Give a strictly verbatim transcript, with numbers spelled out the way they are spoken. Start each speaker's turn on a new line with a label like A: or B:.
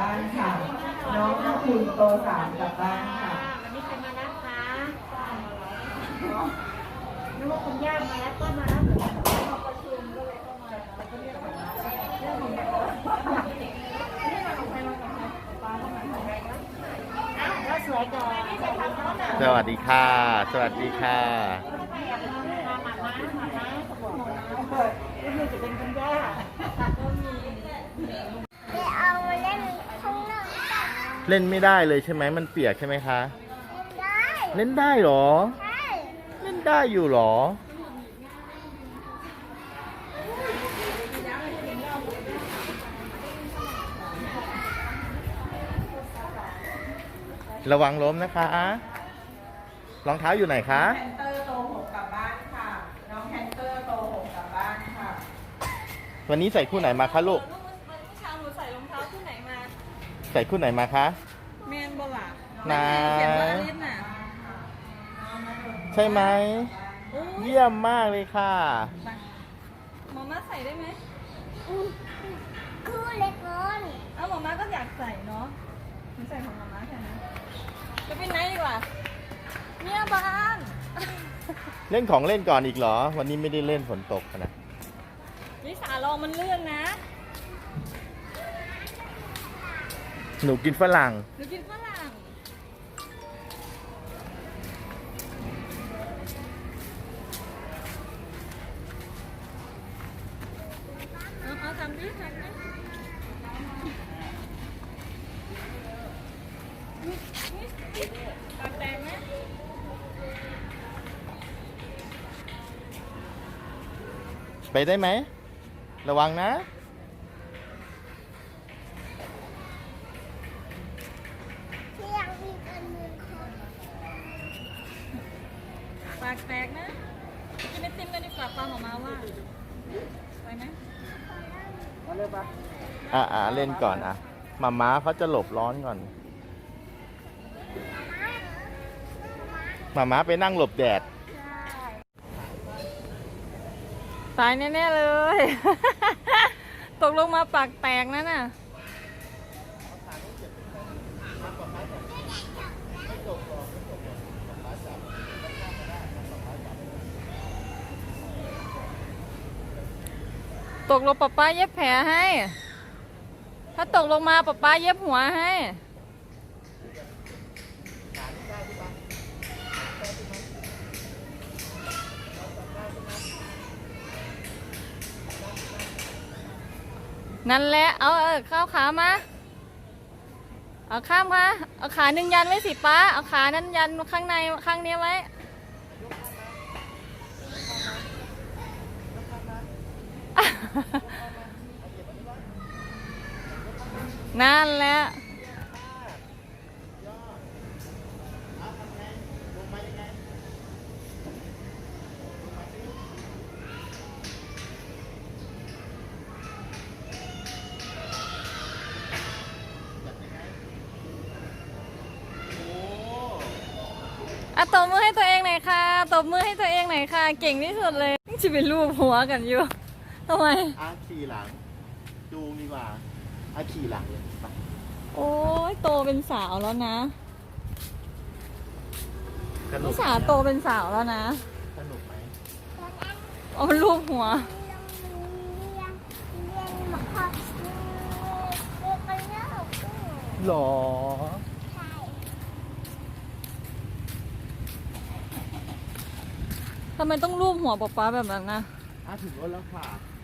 A: านค่ะ น้องน้คุณโตสามกลับบ้านค่ะ
B: วันนี้ใครมารับคะนึกว่าคุณย่ามารับก็มารับเหมือนกันเขาประชุมก็เลยเข้ามาแล้วก็เรียกมารับเรื่องของแบบนี่มาของใครมาของใครป้าเข้ามาของใครก็อ้าวแล้วสวยก่อน
C: สวัสดีค่ะ สวัสดีค่ะ
B: มาหมาม้าหมาม้าสมองก็คือจะเป็นคุณย่าก็มี
D: ไปเอามาเล่นข้างนอก
C: เล่นไม่ได้เลยใช่ไหมมันเปียกใช่ไหมคะ
D: ได้
C: เล่นได้เหรอ
D: ใช่
C: เล่นได้อยู่เหรอ ระวังล้มนะคะรองเท้าอยู่ไหนคะ
A: แฮนเตอร์โตหกกลับบ้านค่ะ น้องแฮนเตอร์โตหกกลับบ้านค่ะ
C: วันนี้ใส่คู่ไหนมาคะลูก
B: เมื่อเช้าหนูใส่รองเท้าคู่ไหนมา
C: ใส่คู่ไหนมาคะ
B: แมนบล่ะ
C: นา
B: เขียนว่าลิศน่ะ
C: ใช่ไหม
B: อู้
C: เยี่ยมมากเลยค่ะ
B: หมอม่าใส่ได้ไหม
D: คู่เล็กน้อย
B: เอ้าหมอม่าก็อยากใส่เนาะหนูใส่ของหมอม่าแค่นั้นจะเป็นไหนดีกว่าเนี่ยบ้าน
C: เล่นของเล่นก่อนอีกเหรอ วันนี้ไม่ได้เล่นฝนตกนะ
B: วิสาลองมันเลื่อนนะ
C: หนูกินฝรั่ง
B: หนูกินฝรั่งเอาเอาทำดิทำดิปากแดงไหม
C: ไปได้ไหม ระวังนะ
D: ที่ยังมีกันมือคน
B: ปากแตกนะกินไอติมกันดีกว่าฟังออกมาว่าไปไหม
C: อ่ะอ่ะเล่นก่อนอ่ะมาม้าเขาจะหลบร้อนก่อนมาม้าไปนั่งหลบแดด
B: ตายแน่ๆเลย ตกลงมาปากแตกนั่นน่ะตกลงป๊าป๊าเย็บแผลให้ ถ้าตกลงมาป๊าป๊าเย็บหัวให้ นั่นแหละ เอาเออเข้าขามา เอาข้ามค่ะ เอาขาหนึ่งยันไว้สิป้า เอาขานั้นยันข้างในข้างนี้ไว้ นั่นแหละ อ่ะตบมือให้ตัวเองหน่อยค่ะ ตบมือให้ตัวเองหน่อยค่ะ เก่งที่สุดเลยจะเป็นรูปหัวกันอยู่ทำไม
C: อาขี่หลังจูงดีกว่าอาขี่หลังเลยไป
B: โอ้ยโตเป็นสาวแล้วนะ
C: สนุ
B: นิ
C: ก
B: สาโตเป็นสาวแล้วนะ
C: สนุกไหม
B: เอามันรูปหัว
D: เรียนเรียนเรียนมาค่ะเรียนไปแล้ว
C: หรอ
D: ใช่
B: ทำไมต้องรูปหัวป๊าป๊าแบบนั้นนะ
C: อาถึงรถแล้วค่ะ